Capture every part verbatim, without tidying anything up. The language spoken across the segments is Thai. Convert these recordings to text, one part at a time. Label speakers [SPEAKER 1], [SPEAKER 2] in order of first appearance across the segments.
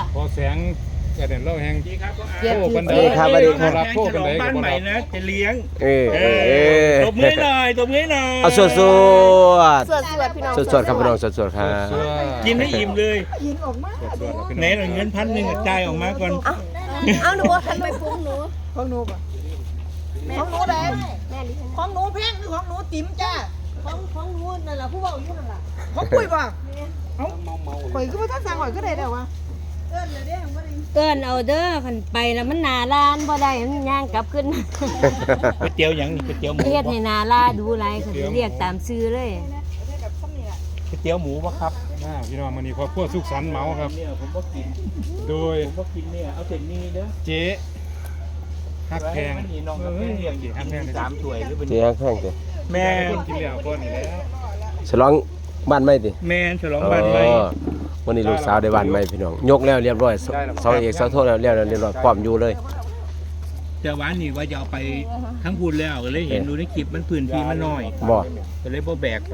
[SPEAKER 1] พอแสงกระเด็นเล่าแห้ง
[SPEAKER 2] ดีครับ
[SPEAKER 1] โอ้บันได
[SPEAKER 3] ครับสวัสดีครับ
[SPEAKER 1] รับโทษบันได
[SPEAKER 2] บ้าน
[SPEAKER 1] กับ
[SPEAKER 2] ใหม่
[SPEAKER 1] เรา
[SPEAKER 2] นะจะเลี้ยง
[SPEAKER 3] เออเออเออ
[SPEAKER 2] ตบมือหน่อยตบมือหน่อย
[SPEAKER 3] เอาสวดสวด
[SPEAKER 4] สวดสวดพี่น้อง
[SPEAKER 3] สวดสวดครับพี่น้องสวดสวดครับ
[SPEAKER 2] กินให้อิ่มเลย
[SPEAKER 1] สวดๆแล้วพี่
[SPEAKER 2] ไหน
[SPEAKER 1] น้อง
[SPEAKER 2] หน่อยเงินพันหนึ่งจ่ายออกมาก่อน
[SPEAKER 4] เอาเอาหนูทำไมฟุ้งหนู
[SPEAKER 5] ของหนูป่ะของหนูเลย
[SPEAKER 4] แม่ดิฉัน
[SPEAKER 5] ของหนูแพงหรือของหนูติ๋มจ้า
[SPEAKER 4] ของของหนูนั่นแหละผู้บอกอยู่นั่นแหละ
[SPEAKER 5] ของปุ้ยป่ะเอ้าข่อยก็มาท่านสั่งข่อยก็ได้แล้ววะ
[SPEAKER 4] เอิ้นเอาเด้อคันไปแล้วมันหนาลานบ่ได้มันย่างกลับขึ้น
[SPEAKER 2] ก๋วยเตี๋ยวหยังนี่ก๋วยเตี๋ยวหมู
[SPEAKER 4] เฮ็ดให้หนาลาดูหลายเขาเรียกตามชื่อเลย
[SPEAKER 2] ก๋วยเตี๋ยวหมูปะครับ
[SPEAKER 1] อ่าพี่น้องมื้อนี้ครอบครัวสุขสันต์เมาครับ
[SPEAKER 2] เนี่ยผมก็กิน
[SPEAKER 1] โดย
[SPEAKER 2] ผมก็กินเนี่ยเอาเส้นนี้เด้อ
[SPEAKER 1] เจ๊ฮักแพง
[SPEAKER 2] นี่น้องกับแม่เลี้ยงอยู่
[SPEAKER 1] ฮักแพง
[SPEAKER 2] สามถ้วยหรือเป็น
[SPEAKER 3] เจ๊แข้งเจ๊
[SPEAKER 2] แม่
[SPEAKER 1] คนกินแล้วคนนี่แล้ว
[SPEAKER 3] ฉลองบ้านใหม่ติ
[SPEAKER 2] แม่ฉลองบ้านใหม่
[SPEAKER 3] อ๋อวันนี้ลูกสาวได้บ้านใหม่พี่น้องยกแล้วเรียบร้อยเสาเอกเสาโทแล้วเรียบร้อยเรียบร้อยพร้อมอยู่เลย
[SPEAKER 2] แต่วันนี้ว่าจะเอาไปทั้งพูดแล้วก็เลยเห็นดูในคลิปมันพื้นที่มันน้อย
[SPEAKER 3] บ่
[SPEAKER 2] ก็เลยพอแบกไป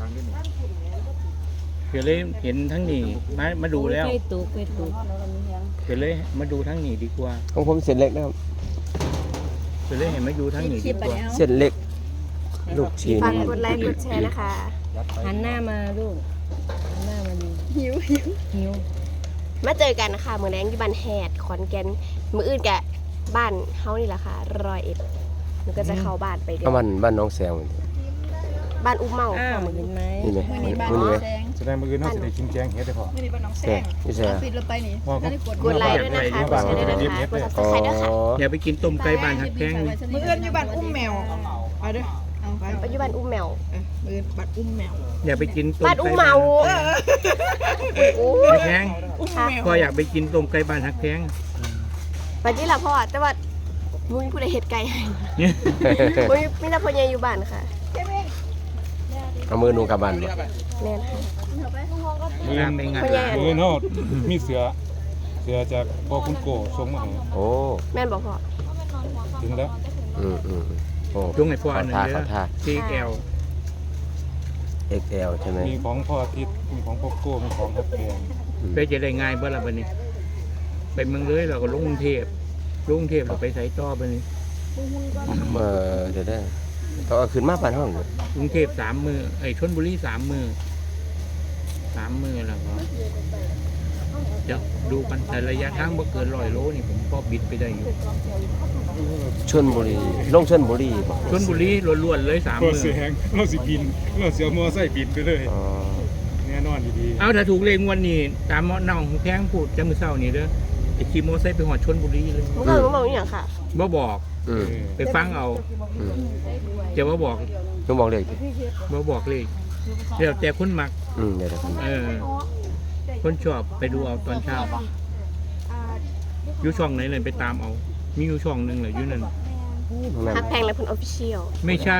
[SPEAKER 2] ก็เลยเห็นทั้งนี้มามาดูแล้ว
[SPEAKER 4] ไปตุกไปตุก
[SPEAKER 2] ก็เลยมาดูทั้งนี้ดีกว่า
[SPEAKER 3] ของผมเส้นเล็กนะครับ
[SPEAKER 2] ก็เลยเห็นมาดูทั้งนี้ดีกว่า
[SPEAKER 3] เส้นเล็ก ลูกชิ้น
[SPEAKER 4] ฝากกดไลค์กดแชร์นะคะหันหน้ามาลูกหันหน้ามาดูหิวหิวหิวมาเจอกันนะคะมื้อแรงที่บ้านแฮดขอนแก่นมื้ออื่นกะบ้านเฮานี่แหละค่ะร้อยเอ็ดหนูก็จะเข้าบ้านไปเดือ
[SPEAKER 3] เอา
[SPEAKER 4] น
[SPEAKER 3] บ้านบ้านน้องแซวนี่
[SPEAKER 4] บ้านอุ้มเมาค่ะมื้อนี้
[SPEAKER 3] นี่ไหมมื้อนี้ไหม
[SPEAKER 1] แสดงมื้ออื่นเฮาสิได้กินแกงเฮ็ดได้พอ
[SPEAKER 5] ไม่ได้บ้านน้องแซ
[SPEAKER 3] แซ่
[SPEAKER 5] ง
[SPEAKER 3] นี่ใช่
[SPEAKER 5] ปิดเราไปนี่
[SPEAKER 1] ว่าเขา
[SPEAKER 4] กดไลค์ด้วยนะคะกดแชร์ด้วยนะคะกด
[SPEAKER 3] อ๋อ
[SPEAKER 4] Subscribe ด้วยค่ะ
[SPEAKER 2] อย่าไปกินต้มไก่บ้านหักแพงนี่
[SPEAKER 5] มือเอื้อนอยู่บ้านอุ้มแมวเอาเด้อเอาไป
[SPEAKER 4] ปัจจุบันอุ้มแมว
[SPEAKER 5] มือเอื้อนบ้านอุ้มแมว
[SPEAKER 2] อย่าไปกินต้ม
[SPEAKER 4] บ้าน
[SPEAKER 2] ไก่
[SPEAKER 4] อุ้มเมาโอ้
[SPEAKER 2] หักแพง
[SPEAKER 5] อุ้มแมว
[SPEAKER 2] ก็อยากไปกินต้มไก่บ้านหักแพง
[SPEAKER 4] ปัจจุบันพ่อแต่ว่ามุ้ยผู้ใดเฮ็ดไก่ให้
[SPEAKER 2] เนี่ย
[SPEAKER 4] มุ้ยมีแต่พ่อใหญ่อยู่บ้านค่ะ
[SPEAKER 3] เอามือหนูกลับบ้านบ่
[SPEAKER 4] แม่นค่ะ
[SPEAKER 2] งานในงาน
[SPEAKER 4] พ่อใหญ่อัน
[SPEAKER 1] มื้ออื่นเฮามีเสือเสือจากพ่อคุณโกส่งมาให้
[SPEAKER 3] โอ้
[SPEAKER 4] แม่นบอกพ่อ
[SPEAKER 1] ถึงแล้ว
[SPEAKER 3] อืมอืมโอ้
[SPEAKER 2] ยงให้พ่ออันหนึง
[SPEAKER 3] ขอ
[SPEAKER 2] เด้
[SPEAKER 3] ท่า
[SPEAKER 2] อ
[SPEAKER 3] ขอท่า
[SPEAKER 2] ซีแก้ว
[SPEAKER 3] เอ็กซ์แอล ใช่ไหม
[SPEAKER 1] มีของพ่ออาทิตย์มีของพ่อโก้มีของฮักแพง
[SPEAKER 2] ไปจะได้ง่ายบ่ล่ะบัดนี้ไปเมืองเลยเราก็ลงกรุงเทพลงกรุงเทพเราไปไสต่อบัดนี้
[SPEAKER 3] เออเดี๋ยวได้ต้องเอาขึ้นมาบ้านห้องเลย
[SPEAKER 2] กรุงเทพสามมือไอ้ชลบุรีสามมือสามมือแล้วก็เดี๋ยวดูกันแต่ระยะทางบ่เกินร้อยโลนี่ผมก็บิดไปได้อยู่
[SPEAKER 3] ชลบุรีลงชลบุรีบ่
[SPEAKER 2] ชลบุรีล้วนๆเลยสาม
[SPEAKER 1] ก็
[SPEAKER 2] มือ
[SPEAKER 1] เสียงเราสิบินเราเสียมอไซค์บินไปเลย
[SPEAKER 3] อ๋อ
[SPEAKER 1] แน่นอนดี
[SPEAKER 2] เอาถ้าถูกเลขงวดนี้ตามหมอน้องของแพงพูดจะมือเศร้านี่เด้อไอ้ขี่มอไซค์ไปหอดชลบุรีเลย
[SPEAKER 4] มึงก็มึงบอกอย่างค่ะ
[SPEAKER 2] บ่บอก
[SPEAKER 1] ๆ
[SPEAKER 3] อืม
[SPEAKER 1] เออ
[SPEAKER 2] ไปฟังเอา
[SPEAKER 3] อืม
[SPEAKER 2] จะบ่บอก
[SPEAKER 3] หนูบอกเลย
[SPEAKER 2] บ่บอกเลขเดี๋ยวแต่คนมัก
[SPEAKER 3] อืมเดี๋ยวเดี๋ยว
[SPEAKER 2] เออ คนชอบไปดูเอาตอนเช้าอยู่ช่องไหนเลยไปตามเอา มีอยู่ช่องหนึ่งเหรออยู่นั่น
[SPEAKER 3] ตรงนั้น
[SPEAKER 4] ฮักแพงและเพิ่นออฟฟิเชียล
[SPEAKER 2] ไม่ใช่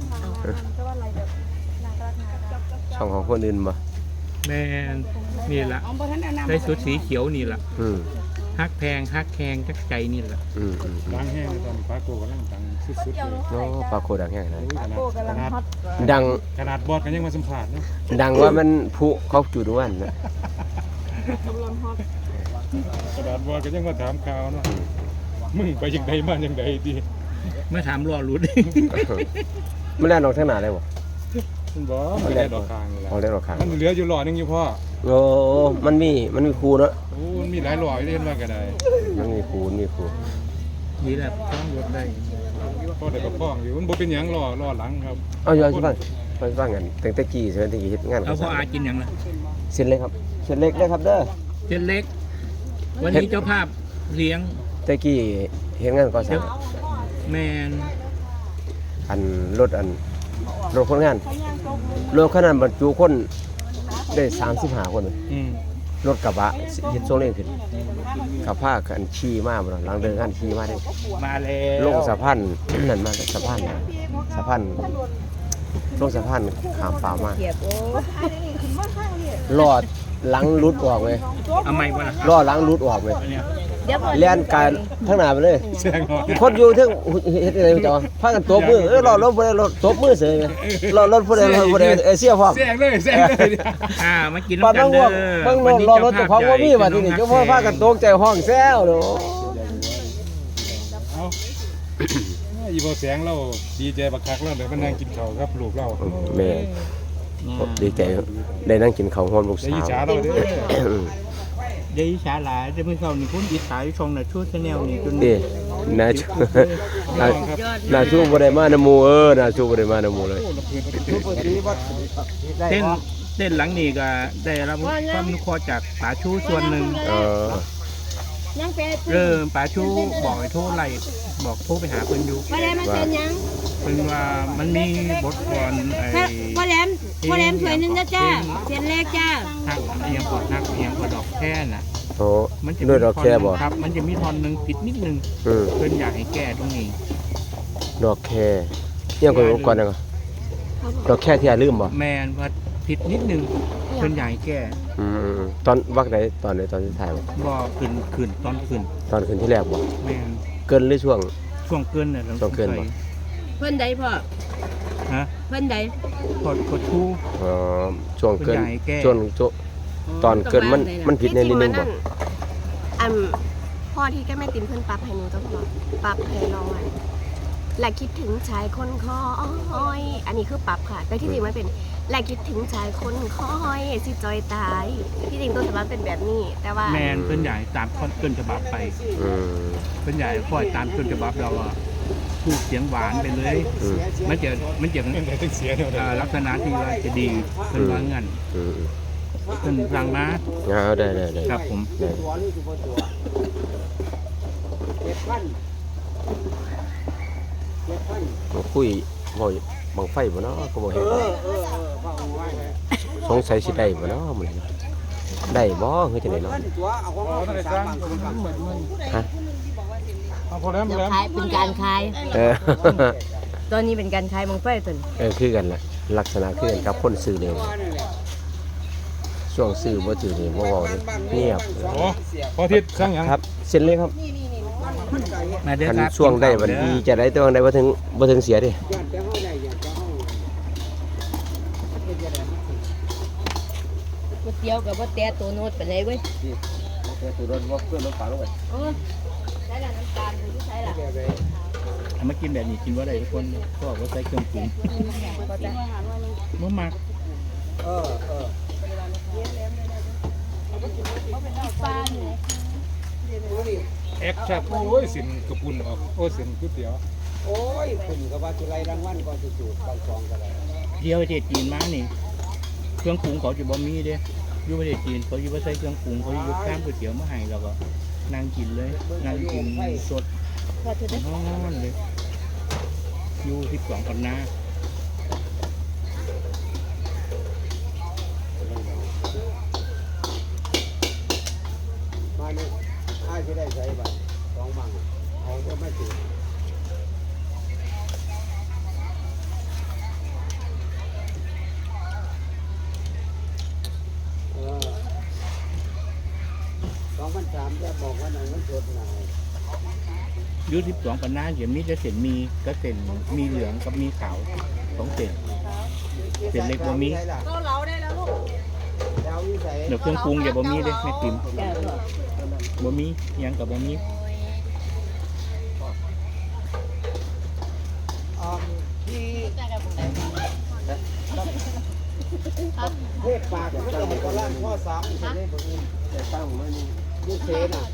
[SPEAKER 3] ช่องของคนอื่นบ่
[SPEAKER 2] แม่นนี่ละได้สุดสีเขียวนี่ละ
[SPEAKER 3] อืม
[SPEAKER 2] ฮักแพงฮักแพงจักใจนี่ละ
[SPEAKER 3] อืมอืมอืม
[SPEAKER 1] ดังแห้งเลยตอนนี้ปลาโกกำลังดังสุดๆเลย
[SPEAKER 3] โอ้ปลาโคดังแห้งเลย
[SPEAKER 1] โอ้ยขนาดขนาด
[SPEAKER 3] ดัง
[SPEAKER 1] ขนาดบอดกันยังมาสัมผัสเนาะ
[SPEAKER 3] ดังว่ามันผุเขาจุดวันนะ
[SPEAKER 1] ขนาดบอดกันยังมาถามข่าวเนาะมึงไปยังไงมายังไงดี
[SPEAKER 2] เมื่อถามรอรุด
[SPEAKER 3] ไม่ได้ลงทางหนาเลยบ่
[SPEAKER 1] มันบอกมันได้ดอกคางเลย
[SPEAKER 3] เอาได้หรอกครับ
[SPEAKER 1] มันเหลืออยู่หล่อนึงอยู่พ่อ
[SPEAKER 3] โอ้มันมีมันมีครูเนาะ
[SPEAKER 1] โอ้มันมีหลายหล่อเล่นมากันได้
[SPEAKER 3] มันมีครูมันมีครู
[SPEAKER 2] นี่แหละต้องรถได้
[SPEAKER 1] พ่อได้กับพ่องอยู่มันบ่เป็นหยังหล่อหล่อหลังครับ
[SPEAKER 3] เอาอย่าสิฟังไปฟังกันตั้งแต่กี้ใช่ไหมตั้งแต่กี้เฮ็ดงาน
[SPEAKER 2] เอาพ่ออากินอย่างละ
[SPEAKER 3] เส้นเล็กครับเส้นเล็กได้ครับเด้อ
[SPEAKER 2] เส้นเล็ก วันนี้เจ้าภาพเลี้ยง
[SPEAKER 3] แต่กี้เฮ็ดงานก่อสร้าง
[SPEAKER 2] แมน
[SPEAKER 3] อันรถอันรถคนงานรถขนาดบรรจุคนได้สามสิบห้าคนเลย
[SPEAKER 1] อืม
[SPEAKER 3] รถกระบะเฮ็ดโซเล่นขึ้นขับผ้ากันขี่มาบ่ล่ะหลังเดินงานขี่มาได้
[SPEAKER 2] มาแล้ว
[SPEAKER 3] ลงสะพาน นั่นมาสะพานสะพานลงสะพานข้ามป่ามา
[SPEAKER 4] เกียบโอ้
[SPEAKER 3] ลอดหลังรุดออกเลย
[SPEAKER 2] เอาไม่บ่ล่ะ
[SPEAKER 3] ล้อหลังรุดออกเลย
[SPEAKER 2] อันเนี้ย
[SPEAKER 4] เดี๋ยวพอ
[SPEAKER 3] เลียนการทั้งหน้าไปเลย
[SPEAKER 1] แซงหน่อย
[SPEAKER 3] มีคนอยู่เทั้งเฮ็ดอะไรจ้ะพากันตบมือเออรอรถบ่ได้รถตบมือเสยไงรอรถบ่ได้รถบ่ได้เอเชียพร้อม
[SPEAKER 1] แซงเลยแซงเลย
[SPEAKER 2] อ่ามากิน
[SPEAKER 3] ปาน
[SPEAKER 2] น้ำกั
[SPEAKER 3] บาน ง
[SPEAKER 2] เด้
[SPEAKER 3] ว่า
[SPEAKER 2] อบ
[SPEAKER 3] างโน่นรอรถเจ้าของบ่มีว่าที่นี่เจ้าพ่อพากันตกใจห้องแซวเด้อ
[SPEAKER 1] เอาอีบ่แสงเราดีใจบักคักแล้วเดี๋ยวมันนั่งกินข้าวครับลูกเรา
[SPEAKER 3] แม่ดีใจได้นั่งกินข้าวฮอดลูก
[SPEAKER 1] ได้
[SPEAKER 3] สา
[SPEAKER 1] ยิ
[SPEAKER 3] ว
[SPEAKER 1] จฉาเราเด้อ
[SPEAKER 2] ได้ฉาหลายจะไม่เข้านี่คุณอิสายช่องน่ะชูชาแนลนี่จน
[SPEAKER 3] เด้น่าชูน่าน่าชูบ่ได้มานำหมู่เออน่าชูบ่ได้มานำหมู่เลย
[SPEAKER 2] เต้นเต้นหลังนี่ก็ได้รับความอนุเคราะห์จากป๋าชูส่วนหนึ่ง
[SPEAKER 3] เออ
[SPEAKER 4] ยังเป็น
[SPEAKER 2] เริ่มป๋าชูบอกให้โทรไล่บอกโทรไปหาเพิ่นอยู่
[SPEAKER 4] พ่อแหลมมาเป็นยัง
[SPEAKER 2] เพิ่นว่ามันมีบทกลอนไอ้
[SPEAKER 4] พ่อแหลมพ่อแหลมถ้วยหนึงนะจ้าเส้นเล็กจ้า
[SPEAKER 2] ทักเอียงกอดทักเอียงกอดดอกแค่น่ะ
[SPEAKER 3] โอ้
[SPEAKER 2] มันจะ
[SPEAKER 3] ด้วยดอกแค่บ่
[SPEAKER 2] ครับ มันจะมีทอนหนึงผิดนิดนึง
[SPEAKER 3] อืม
[SPEAKER 2] เพิ่นอยากให้แก้ตรงนี้
[SPEAKER 3] ดอกแค่ยังก่อนก่อนนะดอกแค่ที่ลืมบ่
[SPEAKER 2] แมนว่าผิดนิดนึงเพิ่นอยากให้แก้
[SPEAKER 3] อืมตอนวักไหนตอนไหนตอนที่ถ่ายบ่
[SPEAKER 2] บ่ขึ้นขึ้นตอนขึ้น
[SPEAKER 3] ตอนคืนที่แรกบ่
[SPEAKER 2] แมน
[SPEAKER 3] เกินหรือช่วง
[SPEAKER 2] ช่วงเกินน่ะ
[SPEAKER 3] ช่วงเกินบ่
[SPEAKER 4] เพิ่นใดพ่อ
[SPEAKER 2] ฮะ
[SPEAKER 4] เพิ่นใด
[SPEAKER 2] กดกดชู้
[SPEAKER 3] อ๋อช่วงเกิน
[SPEAKER 2] คุณยายแก้
[SPEAKER 3] ช่วงช่วงตอนเกินมันมันผิดในนิดนึงบ่
[SPEAKER 4] อันพ่อที่แกแม่ติมเพิ่นปรับให้หนูต้องบอกปรับให้น้องไว้และคิดถึงชายคนคอย อันนี้คือปรับค่ะ แต่ที่จริงมันเป็นและคิดถึงชายคนคอยสิจอยตาย ที่จริงต้นฉบับเป็นแบบนี้ แต่ว่า
[SPEAKER 2] แมนเพิ่นอยากให้ตามต้นฉบับไป
[SPEAKER 3] อืม
[SPEAKER 2] เพิ่นอยากให้คอยตามต้นฉบับเราอ่ะพูดเสียงหวานไปเลย
[SPEAKER 3] อืม
[SPEAKER 2] มันจะมันจะ
[SPEAKER 1] เรื่องไหนถึงเสียเนี่ย
[SPEAKER 2] อ่าลักษณะที่ว่าจะดีเพิ่นว่างั้น
[SPEAKER 3] อืม
[SPEAKER 2] เพิ่นสั่งมา
[SPEAKER 3] เอาได้ได้ได้
[SPEAKER 2] ครับผม
[SPEAKER 3] ได้มาคุยบ่บังไฟบ่เนาะก็บ่เห็นสงสัยสิได้บ่เนาะมื้อนี้ได้บ่คือจังได๋เนาะ
[SPEAKER 1] เอาท่านได้สร้างเหมือนมัน
[SPEAKER 3] ฮะ
[SPEAKER 1] เอาพอแล้วพอ
[SPEAKER 4] เดี๋ยว
[SPEAKER 1] แล้ว
[SPEAKER 4] ขายเป็นการขาย
[SPEAKER 3] เออ
[SPEAKER 4] ตอนนี้เป็นการขายมังไฟตน
[SPEAKER 3] เออคือกันแหละลักษณะคือกันกับคนซื้อเร็วช่วงซื้อบ่ถือนี่บ่เว้าเลยเงียบ
[SPEAKER 1] โอ้พอทิศสร้างหยัง
[SPEAKER 3] ครับเส้นเลยครับ
[SPEAKER 2] มาเด้อ
[SPEAKER 3] คัน
[SPEAKER 2] ครับ
[SPEAKER 3] ช่วงได้บัดดีจะได้แต่ว่าได้บ่ถึงบ่ถึงเสียดิ
[SPEAKER 4] ก๋วยเตี๋ยวกับว่าแต่ตัวโน้ตเป็นไรเว้ย
[SPEAKER 3] ตัวรถบ่เพื่อนรถฝาลงไป
[SPEAKER 4] โอ้ใช่ละน้ำตาลหรือใช่ละ
[SPEAKER 2] เอามากินแบบนี้กินว่าได้ทุกคนก็บอกว่าใส่เครื่องปรุงบ่มัก
[SPEAKER 1] แอคชั่นโอ้ยสินกระปุ่นออกโอ้สินก๋วยเตี๋ยว
[SPEAKER 6] โอ้ยคุณก็ว่าจะไล่รางวัลก่อนจะจูดบางกองกันเลย
[SPEAKER 2] เที่ยวประเทศจีนมานี่ เครื่องปรุงเขาจะบ่มีเด้อยู่ประเทศจีนเขาอยู่บ่ใส่เครื่องปรุงเขาอยู่ข้ามก๋วยเตี๋ยวมาให้แล้วก็นั่งกินเลยนั่งกินสด
[SPEAKER 4] พอเธอได้
[SPEAKER 2] นอนเลยอยู่ที่สองกันนา
[SPEAKER 6] มาเนี่ยอ้ายจะได้ใช้บัตรสองบังเอาก็ไม่ติดเออสองพันสามจะบอกว่าไหนมันสดไหน
[SPEAKER 2] อยู่ที่สองกันนาเดี๋ยวมีจะเส้นมีก็เส้นมีเหลืองกับมีขาวสองเส้นเส้นเล็กบ่มี
[SPEAKER 5] ก็เล้าได้แล้วลูก
[SPEAKER 6] แล้ววิสัย
[SPEAKER 2] เดี๋ยวเครื่องปรุงอย่าบ่มีเด้แม่ติ๋มบ่มีหยังกับบ่มี
[SPEAKER 6] อ่าที่เทพปากก็จะก็ล่างข้อสามจะได้บ่มีแต่ตั้งมันยูเซนอ่ะ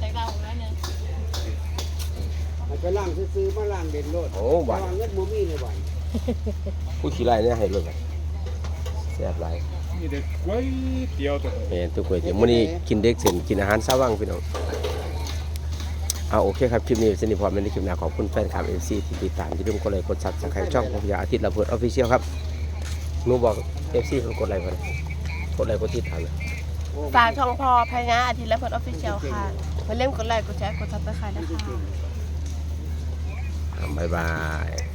[SPEAKER 6] มันไปล่างซื้อๆมาล่างเด่นโลด
[SPEAKER 3] โอ้บาด
[SPEAKER 6] วางเงินบ่มีเลยบ่
[SPEAKER 3] ผู้ขี้ไล่เนี่ยให้รถบัดแซ่บหลาย
[SPEAKER 1] นี่เด็กก๋วยเตี๋ยวตัว
[SPEAKER 3] แม่นทุกคนเดี๋ยวมื้อนี้กินเด็กเส้นกินอาหารซาวังพี่น้องเอาโอเคครับคลิปนี้สนิทพอเป็นในคลิปหน้าขอบคุณแฟนคลับ เอฟ ซี ที่ติดตามที่ร่วมกดไลค์กด Subscribe ช่องพยาอาทิตย์ระเบิด Official ครับหนูบอก เอฟ ซี เพิ่นกดไลค์เพิ่นกดไลค์กดติดตามเลย
[SPEAKER 4] ฝากช่องพอพญาอาทิตย์และเพิร์ดออฟฟิเชียลค่ะมาเล่นกดไลค์กดแชร์กดซับสไครต์นะคะ
[SPEAKER 3] อ่าบ๊ายบาย